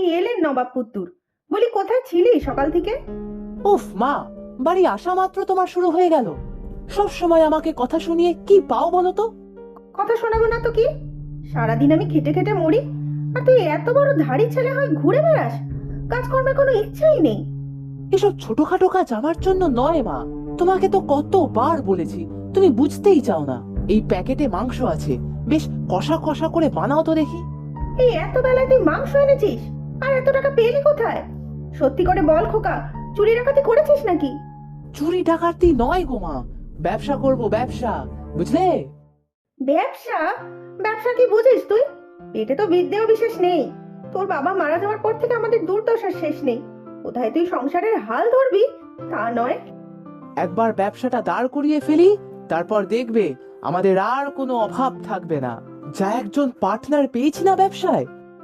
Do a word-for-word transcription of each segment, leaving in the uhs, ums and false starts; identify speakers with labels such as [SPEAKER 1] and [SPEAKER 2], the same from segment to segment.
[SPEAKER 1] এলেন নবাব পুত্তুর। বলি কোথায় ছিলি সকাল থেকে?
[SPEAKER 2] উফ মা, বাড়ি আসা মাত্র তোমার শুরু হয়ে গেল। সব সময় আমাকে কথা শুনিয়ে কি পাও বলো তো?
[SPEAKER 1] কথা শোনাবো না তো কি? সারাদিন আমি খেটে খেটে মরি, আর তুই এত বড় ধাড়ি ছেলে হয়ে ঘুরে বেড়াস, কাজকর্মের কোনো ইচ্ছাই নেই।
[SPEAKER 2] এসব ছোটখাটো কাজ আমার জন্য নয় মা। তোমাকে তো কতবার বলেছি, তুমি বুঝতেই চাও না। এই প্যাকেটে মাংস আছে, বেশ কষা কষা করে বানাও তো দেখি।
[SPEAKER 1] এই এত বেলায় তুই মাংস এনেছিস? আর এত টাকা পেলি কোথায়? সত্যি করে বল খোকা, চুরি ডাকাতি করেছিস নাকি?
[SPEAKER 2] চুরি ডাকাতি নয় গো মা, ব্যবসা করব, ব্যবসা, বুঝলে?
[SPEAKER 1] ব্যবসা? ব্যবসা কি বুঝিস তুই? পেটে তো বিদ্যেও বিশেষ নেই। তোর বাবা মারা যাওয়ার পর থেকে আমাদের দুর্দশার শেষ নেই। কোথায় তুই সংসারের হাল ধরবি তা নয়।
[SPEAKER 2] একবার ব্যবসাটা দাঁড় করিয়ে ফেলি, তারপর দেখবে আমাদের আর কোনো অভাব থাকবে না। যা একজন পার্টনার পেয়েছি না ব্যবসায়।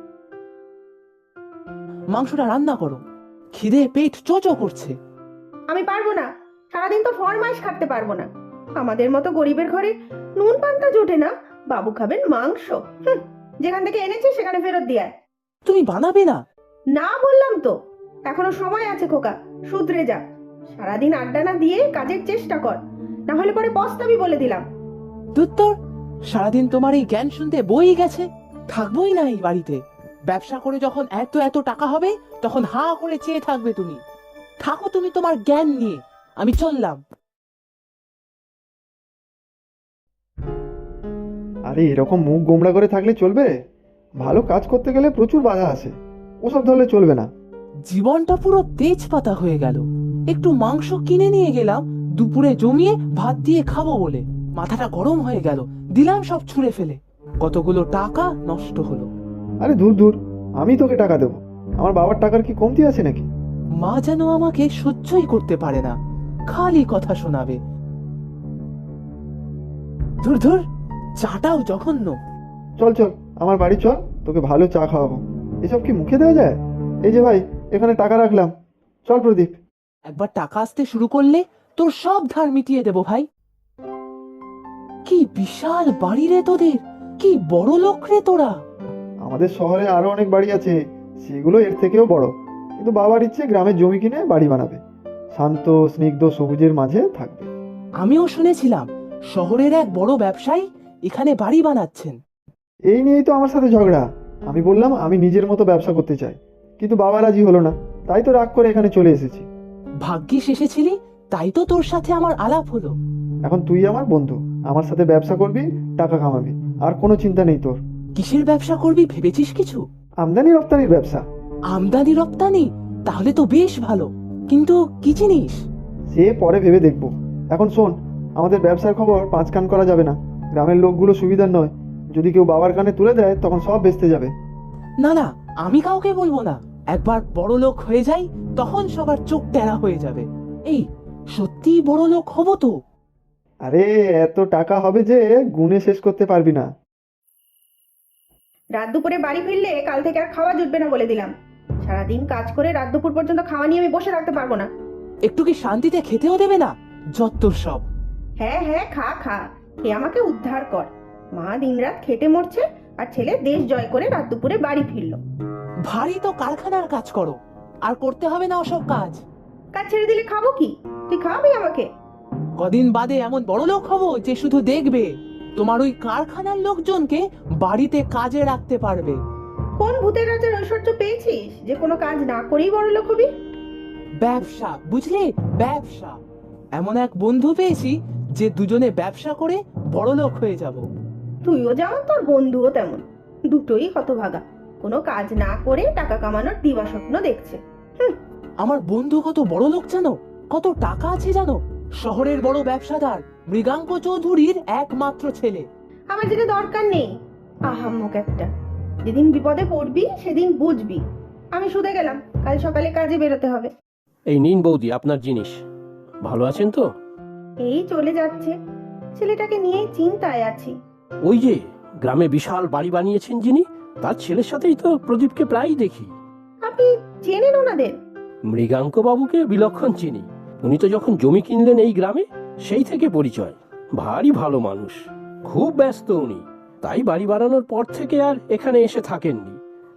[SPEAKER 2] মাংসটা রান্না করো, খিদে পেট চোচো করছে।
[SPEAKER 1] আমি পারবো না, সারাদিন তো ফরমাইশ খাটতে পারবো না। আমাদের মতো গরিবের ঘরে নুন পান্তা জোটে না, বাবু খাবেন মাংস। হুঁ, যেখান থেকে এনেছিস সেখানে ফেরত দিয়ে আয়।
[SPEAKER 2] তুমি বানাবে না?
[SPEAKER 1] না বললাম তো, এখনো সময় আছে খোকা, শুধরে যা। সারাদিন আড্ডা না দিয়ে কাজের চেষ্টা কর, না হলে পরে পস্তাবি বলে দিলাম।
[SPEAKER 2] দুত্তর, সারাদিন তোমার এই জ্ঞান শুনতে বই গেছে। থাকবোই না এই বাড়িতে। ব্যবসা করে যখন এত এত টাকা হবে, তখন হা করে চেয়ে থাকবে তুমি। থাকো তুমি তোমার জ্ঞান নিয়ে, আমি চললাম।
[SPEAKER 3] আরে এরকম মুখ গোমড়া করে থাকলে চলবে? ভালো কাজ করতে গেলে প্রচুর বাধা আসে, ওসব ধরলে চলবে না।
[SPEAKER 2] জীবনটা পুরো তেজপাতা হয়ে গেল। একটু মাংস কিনে নিয়ে গেলাম দুপুরে জমিয়ে ভাত দিয়ে খাবো বলে, মাথাটা গরম হয়ে গেল, দিলাম সব ছুঁড়ে ফেলে। কতগুলো টাকা নষ্ট হলো।
[SPEAKER 3] আরে দূর দূর, আমি তোকে টাকা দেবো? আমার বাবার টাকার কি কমতি আছে নাকি?
[SPEAKER 2] মা যেন আমাকে সহ্যই করতে পারে না, খালি কথা শোনাবে। ধুর ধুর, চাটাও জঘন্য।
[SPEAKER 3] চল চল আমার বাড়ি চল, তোকে ভালো চা খাওয়াবো। এসব কি মুখে দেওয়া যায়? এই যে ভাই, এখানে টাকা রাখলাম, চল প্রদীপ।
[SPEAKER 2] একবার টাকা আসতে শুরু করলে তোর সব ধার মিটিয়ে দেবো ভাই। কি বিশাল বাড়ি রে তোদের, কি বড় লোক রে তোরা।
[SPEAKER 3] আমাদের শহরে আরো অনেক বাড়ি আছে, সেগুলো এর থেকেও বড়। কিন্তু বাবার ইচ্ছে গ্রামের জমি কিনে বাড়ি বানাবে, শান্ত স্নিগ্ধ সবুজের মাঝে থাকবে।
[SPEAKER 2] আমিও শুনেছিলাম শহরের এক বড় ব্যবসায়ী এখানে বাড়ি বানাচ্ছেন।
[SPEAKER 3] এই নিয়েই তো আমার সাথে ঝগড়া। আমি বললাম আমি নিজের মতো ব্যবসা করতে চাই, কিন্তু বাবা রাজি হলো না, তাই তো রাগ করে এখানে চলে এসেছি।
[SPEAKER 2] ভাগ্যিস এসেছিলি, তাই তো তোর সাথে আমার আলাপ হলো।
[SPEAKER 3] এখন তুই আমার বন্ধু, আমার সাথে ব্যবসা করবি, টাকা কামাবি, আর কোনো চিন্তা নেই তোর।
[SPEAKER 2] কিসের ব্যবসা করবি ভেবেছিস কিছু?
[SPEAKER 3] আমদানি রপ্তানির ব্যবসা।
[SPEAKER 2] আমদানি রপ্তানি? তাহলে তো বেশ ভালো, কিন্তু কি জিনিস?
[SPEAKER 3] সে পরে ভেবে দেখবো। এখন শোন, আমাদের ব্যবসার খবর পাঁচ কান করা যাবে না। গ্রামের লোকগুলো সুবিধার নয়, যদি কেউ বাবার কানে তুলে দেয় তখন সব বেচতে যাবে।
[SPEAKER 2] না না, আমি কাউকে বলবো না। একবার বড় লোক হয়ে যাই, তখন সবার চোখ টেরা হয়ে যাবে। এই সত্যি বড় লোক হব তো?
[SPEAKER 3] আরে এত টাকা হবে যে গুণে শেষ করতে পারবি না।
[SPEAKER 1] রাত দুপুরে বাড়ি ফিরলে কাল থেকে আর খাওয়া জুটবে না বলে দিলাম। সারাদিন কাজ করে রাত দুপুর পর্যন্ত খাওয়া নিয়ে আমি বসে থাকতে পারবো না।
[SPEAKER 2] একটু কি শান্তিতে খেতেও দেবে না? যত্তর সব।
[SPEAKER 1] হ্যাঁ হ্যাঁ, খা খা, খেয়ে আমাকে উদ্ধার কর। মা দিনরাত খেটে মরছে, আর ছেলে দেশ জয় করে রাত দুপুরে বাড়ি ফিরলো।
[SPEAKER 2] ভারী তো কারখানার কাজ করো, আর করতে হবে না ওসব কাজ।
[SPEAKER 1] কাজ ছেড়ে দিলে খাবো কি? তুই খাওয়াবি আমাকে?
[SPEAKER 2] কদিন বাদে এমন বড় লোক হবো যে শুধু দেখবে, তোমার ওই কারখানার লোকজনকে বাড়িতে কাজে রাখতে পারবে।
[SPEAKER 1] কোন ভূতের রাজার ঐশ্বর্য পেয়েছিস যে কোনো কাজ না করেই বড় লোক হবি?
[SPEAKER 2] ব্যবসা, বুঝলে, ব্যবসা। এমন এক বন্ধু পেয়েছি যে দুজনে ব্যবসা করে বড় লোক হয়ে যাব।
[SPEAKER 1] তুইও যেমন তোর বন্ধুও তেমন, দুটোই হতভাগা, কোনো কাজ না করে টাকা কামানোর দিবা স্বপ্ন দেখছে। হুম,
[SPEAKER 2] আমার বন্ধু কত বড় লোক জানো, কত টাকা আছে জানো? শহরের বড় ব্যবসাদার মৃগাঙ্ক চৌধুরীর একমাত্র ছেলে।
[SPEAKER 1] আমার যেটা দরকার নেই, আহাম্মক একটা। যেদিন বিপদে পড়বি সেদিন বুঝবি। আমি শুধে গেলাম, কাল সকালে কাজে বেরোতে হবে।
[SPEAKER 4] এই নিন বৌদি আপনার জিনিস। ভালো আছেন তো?
[SPEAKER 1] এই চলে যাচ্ছে, ছেলেটাকে নিয়ে চিন্তায় আছি।
[SPEAKER 4] ওই যে গ্রামে বিশাল বাড়ি বানিয়েছেন যিনি, তার ছেলের সাথেই তো প্রদীপকে প্রায়ই দেখি।
[SPEAKER 1] আপনি চেনেন ওনাদের?
[SPEAKER 4] মৃগাঙ্ক বাবুকে বিলক্ষণ চিনি। উনি তো যখন জমি কিনলেন এই গ্রামে, সেই থেকে পরিচয়। ভারী ভালো মানুষ, খুব ব্যস্ত উনি, তাই বাড়ি বানানোর পর থেকে আর এখানে এসে থাকেননি।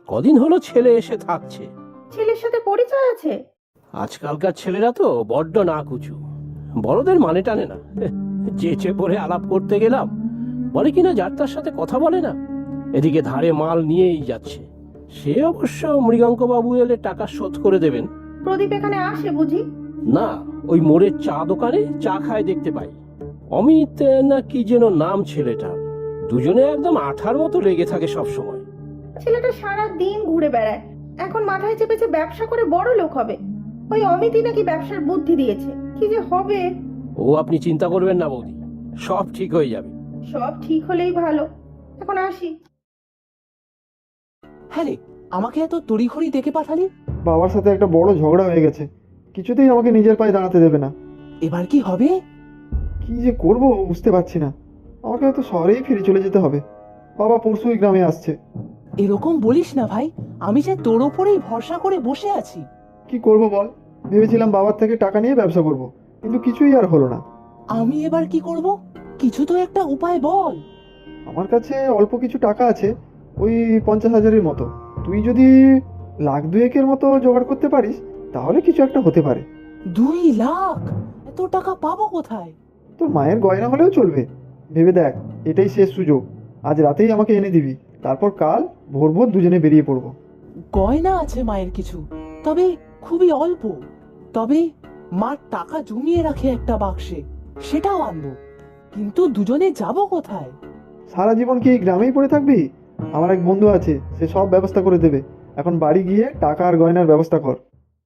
[SPEAKER 4] কদিন হলো ছেলে এসে থাকছে।
[SPEAKER 1] ছেলের সাথে পরিচয় আছে?
[SPEAKER 4] আজকালকার ছেলেরা তো বড্ড না কুচু, বড়দের মানে টানে না। চেঁচে পড়ে আলাপ করতে গেলাম, বলে কিনা যার তার সাথে কথা বলে না, এদিকে ধারে মাল নিয়েই যাচ্ছে। সে অবশ্য মৃগাঙ্ক বাবু এলে টাকা শোধ করে দেবেন।
[SPEAKER 1] প্রদীপ এখানে আসে বুঝি?
[SPEAKER 4] না, ওই মোড়ের চা দোকানে চা খায় দেখতে পাই। অমিত না কি যেন নাম ছেলেটার, দুজনে একদম আঠার মতো লেগে থাকে সব সময়।
[SPEAKER 1] ছেলেটা সারা দিন ঘুরে বেড়ায়, এখন মাথায় চেপেছে ব্যবসা করে বড় লোক হবে। ওই অমিতই নাকি ব্যবসার বুদ্ধি দিয়েছে, কি যে হবে।
[SPEAKER 4] ও আপনি চিন্তা করবেন না বৌদি, সব ঠিক হয়ে যাবে।
[SPEAKER 1] সব ঠিক হলেই ভালো। এখন আসি।
[SPEAKER 2] হ্যাঁ রে, আমাকে এত তড়িঘড়ি ডেকে পাঠালি?
[SPEAKER 3] বাবার সাথে একটা বড় ঝগড়া হয়ে গেছে, কিছুতেই আমাকে নিজের পায়ে দাঁড়াতে দেবে না।
[SPEAKER 2] এবার কি হবে?
[SPEAKER 3] কি যে করব বুঝতে পারছি না। আমাকে হয়তো শহরেই ফিরে চলে যেতে হবে। বাবা পরশুই গ্রামে আসছে।
[SPEAKER 2] এরকম বলিস না ভাই, আমি যে তোর ওপরেই ভরসা করে বসে আছি।
[SPEAKER 3] কি করব বল, ভেবেছিলাম বাবার থেকে টাকা নিয়ে ব্যবসা করব, কিন্তু কিছুই আর হলো না।
[SPEAKER 2] আমি এবার কি করব? কিছু তো একটা উপায় বল।
[SPEAKER 3] আমার কাছে অল্প কিছু টাকা আছে, ওই পঞ্চাশ হাজারের মতো। তুই যদি লাখ দুয়েকের মতো জোগাড় করতে পারিস তাহলে কিছু একটা হতে পারে।
[SPEAKER 2] দুই লাখ? এত টাকা পাবো কোথায়?
[SPEAKER 3] তোর মায়ের গয়না হলেও চলবে। ভেবে দেখ, এটাই শেষ সুযোগ। আজ রাতেই আমাকে এনে দিবি, তারপর কাল ভোর ভোর দুজনে বেরিয়ে পড়বো।
[SPEAKER 2] গয়না আছে মায়ের কিছু, তবে খুবই অল্প। তবে মার টাকা জমিয়ে রাখে একটা বাক্সে, সেটাও আনবো। কিন্তু দুজনে যাব কোথায়?
[SPEAKER 3] সারা জীবন কি এই গ্রামেই পড়ে থাকবি? আমার এক বন্ধু আছে, সে সব ব্যবস্থা করে দেবে। এখন বাড়ি গিয়ে টাকা আর গয়নার ব্যবস্থা কর।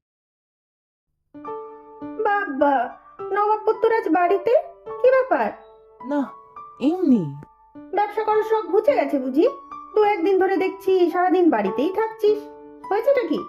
[SPEAKER 1] বাবা, নবাব পুত্তর আজ বাড়িতে? কি ব্যাপার?
[SPEAKER 2] না, এমনি।
[SPEAKER 1] ব্যবসা করার শখ ঘুচে গেছে বুঝি? দু একদিন ধরে দেখছি সারাদিন বাড়িতেই থাকছিস, হয়েছেটা কি?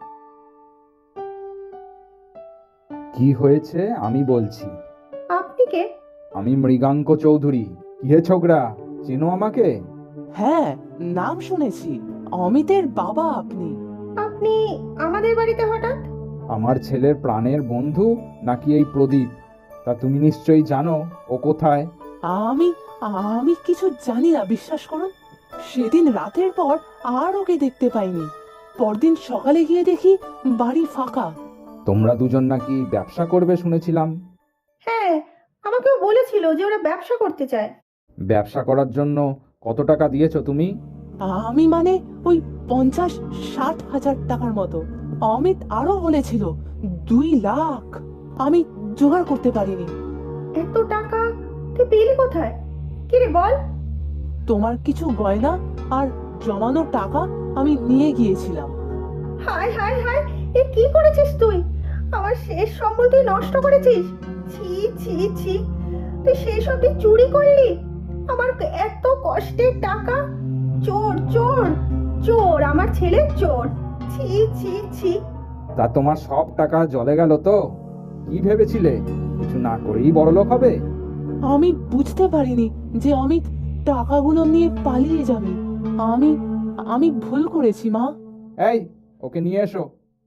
[SPEAKER 5] কি হয়েছে আমি বলছি।
[SPEAKER 1] আপনি কে?
[SPEAKER 5] আমি মৃগাঙ্ক চৌধুরী। কি হে ছোকরা, চেনো আমাকে?
[SPEAKER 2] হ্যাঁ, নাম শুনেছি। অমিতের বাবা আপনি?
[SPEAKER 1] আপনি আমাদের বাড়িতে হঠাৎ?
[SPEAKER 5] আমার ছেলের প্রাণের বন্ধু নাকি এই প্রদীপ? তা তুমি নিশ্চয়ই জানো ও কোথায়।
[SPEAKER 2] আমি আমি কিছু জানি না, বিশ্বাস করুন। সেদিন রাতের পর আর ওকে দেখতে পাইনি। পরদিন সকালে গিয়ে দেখি বাড়ি ফাঁকা।
[SPEAKER 5] তোমরা দুজন নাকি ব্যবসা করবে শুনেছিলাম।
[SPEAKER 1] হ্যাঁ, আমাকেও বলেছিল যে ওরা ব্যবসা করতে চায়।
[SPEAKER 5] ব্যবসা করার জন্য কত টাকা দিয়েছো তুমি?
[SPEAKER 2] আমি মানে ওই পঞ্চাশ ষাট হাজার টাকার মতো। অমিত আরো বলেছিল দুই লাখ। আমি জোগাড় করতে পারিনি।
[SPEAKER 1] এত টাকা তুই পেলি কোথায়? কি রে বল।
[SPEAKER 2] তোমার কিছু গয়না আর জমানো টাকা আমি নিয়ে গিয়েছিলাম।
[SPEAKER 1] হায় হায় হায়, এ কি করেছিস তুই? আমার শেষ সম্বল তুই নষ্ট করেছিস। ছি ছি ছি, তুই সেই সব তুই চুরি করলি আমার এত কষ্টের টাকা। চোর চোর চোর, আমার ছেলে চোর। ছি ছি ছি।
[SPEAKER 5] তা তোমার সব টাকা জলে গেল তো? কি ভেবেছিলে কিছু না করেই বড়লোক হবে?
[SPEAKER 2] আমি বুঝতে পারিনি যে অমিত টাকাগুলো নিয়ে পালিয়ে যাবে। আমি আমি ভুল করেছি মা।
[SPEAKER 5] এই, ওকে নিয়ে এসো।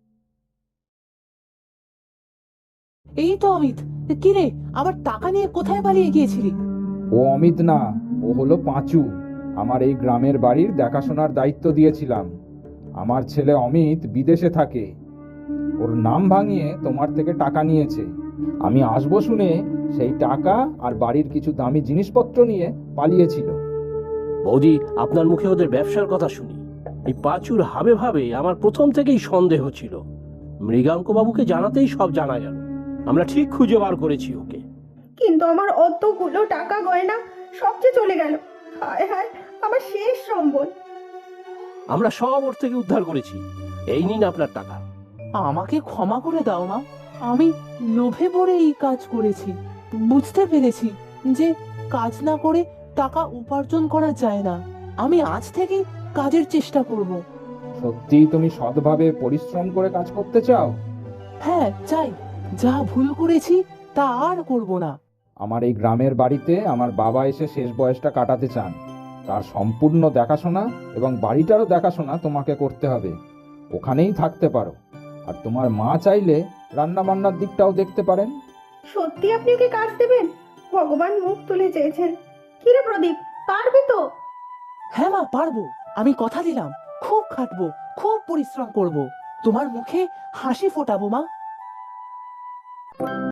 [SPEAKER 2] এই তো অমিত। কি রে, আমার টাকা নিয়ে কোথায় পালিয়ে গিয়েছিলি?
[SPEAKER 5] ও অমিত না, ও হলো পাঁচু। আমার এই গ্রামের বাড়ির দেখাশোনার দায়িত্ব দিয়েছিলাম। আমার ছেলে অমিত বিদেশে থাকে, ওর নাম ভাঙিয়ে তোমার থেকে টাকা নিয়েছে। আমি আসবো শুনে সেই টাকা আর বাড়ির কিছু দামি জিনিসপত্র নিয়ে পালিয়েছিল।
[SPEAKER 4] বৌদি, আপনার মুখে ওদের ব্যবসার কথা শুনি এই পাঁচুর হাবে ভাবে আমার প্রথম থেকেই সন্দেহ ছিল। মৃগাঙ্ক বাবুকে জানাতেই সব জানা গেল। আমরা ঠিক খুঁজে বার করেছি ওকে।
[SPEAKER 1] কিন্তু আমার অতগুলো টাকা গয়না সব যে চলে গেল। হায় হায়, আমার শেষ সম্বল।
[SPEAKER 4] আমরা সব ওর থেকে উদ্ধার করেছি। এই নিন আপনার টাকা।
[SPEAKER 2] আমাকে ক্ষমা করে দাও মা। আমি লোভে পড়ে এই কাজ করেছি। বুঝতে পেরেছি যে কাজ না করে টাকা উপার্জন করা যায় না। আমি আজ থেকে কাজের চেষ্টা করব।
[SPEAKER 5] সত্যি তুমি সৎভাবে পরিশ্রম করে কাজ করতে চাও?
[SPEAKER 2] হ্যাঁ, চাই। যা ভুল করেছি তা আর করব না।
[SPEAKER 5] আমার এই গ্রামের বাড়িতে আমার বাবা এসে শেষ বয়সটা কাটাতে চান। তার সম্পূর্ণ দেখাশোনা এবং বাড়িটারও দেখাশোনা তোমাকে করতে হবে। ওখানেই থাকতে পারো। আর তোমার মা চাইলে রান্না বান্নার দিকটাও দেখতে পারেন।
[SPEAKER 1] সত্যি আপনি ওকে কাজ দেবেন? ভগবান মুখ তুলে চেয়েছেন। কি রে প্রদীপ, পারবি তো?
[SPEAKER 2] হ্যাঁ মা, পারবো। আমি কথা দিলাম, খুব খাটবো, খুব পরিশ্রম করব, তোমার মুখে হাসি ফোটাবো মা।